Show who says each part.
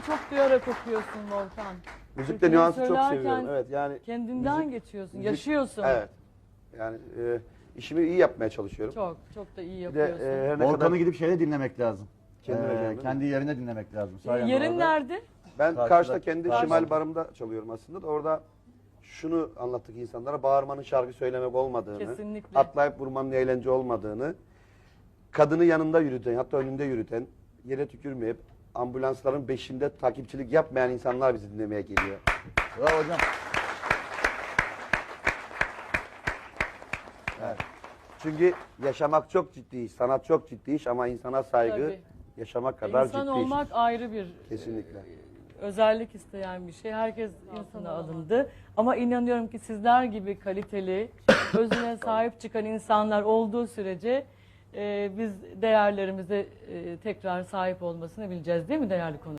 Speaker 1: çok duyarak okuyorsun Volkan.
Speaker 2: Müzikte
Speaker 1: Türküleri
Speaker 2: nüansı çok
Speaker 1: söylerken
Speaker 2: seviyorum. Evet yani
Speaker 1: kendinden geçiyorsun,
Speaker 2: müzik-
Speaker 1: yaşıyorsun.
Speaker 2: evet. Yani işimi iyi yapmaya çalışıyorum.
Speaker 1: Çok da iyi
Speaker 2: Bir de
Speaker 1: yapıyorsun.
Speaker 2: her ne
Speaker 3: Volkan'ı
Speaker 2: kadar
Speaker 3: gidip şeyde dinlemek lazım.
Speaker 2: Kendine gel, değil mi?
Speaker 3: Kendi yerine dinlemek lazım. Sayende
Speaker 1: Yerin
Speaker 3: orada.
Speaker 1: nerede?
Speaker 2: ben
Speaker 3: Karşıda-
Speaker 2: karşıda kendi
Speaker 3: karşıda.
Speaker 2: şimal barımda çalıyorum aslında da orada şunu anlattık insanlara, bağırmanın şarkı söylemek olmadığını,
Speaker 1: Kesinlikle.
Speaker 2: atlayıp vurmanın eğlence olmadığını, kadını yanında yürüten, hatta önünde yürüten, yere tükürmeyip ambulansların beşinde takipçilik yapmayan insanlar bizi dinlemeye geliyor.
Speaker 3: Bravo hocam.
Speaker 2: Çünkü yaşamak çok ciddi iş, sanat çok ciddi iş ama insana saygı
Speaker 1: Tabii.
Speaker 2: yaşamak kadar
Speaker 1: İnsan
Speaker 2: ciddi
Speaker 1: olmak
Speaker 2: iş.
Speaker 1: ayrı bir
Speaker 2: Kesinlikle.
Speaker 1: özellik isteyen bir şey. Herkes insana alındı. Ama inanıyorum ki sizler gibi kaliteli, özüne sahip çıkan insanlar olduğu sürece biz değerlerimize tekrar sahip olmasını bileceğiz, değil mi değerli konu?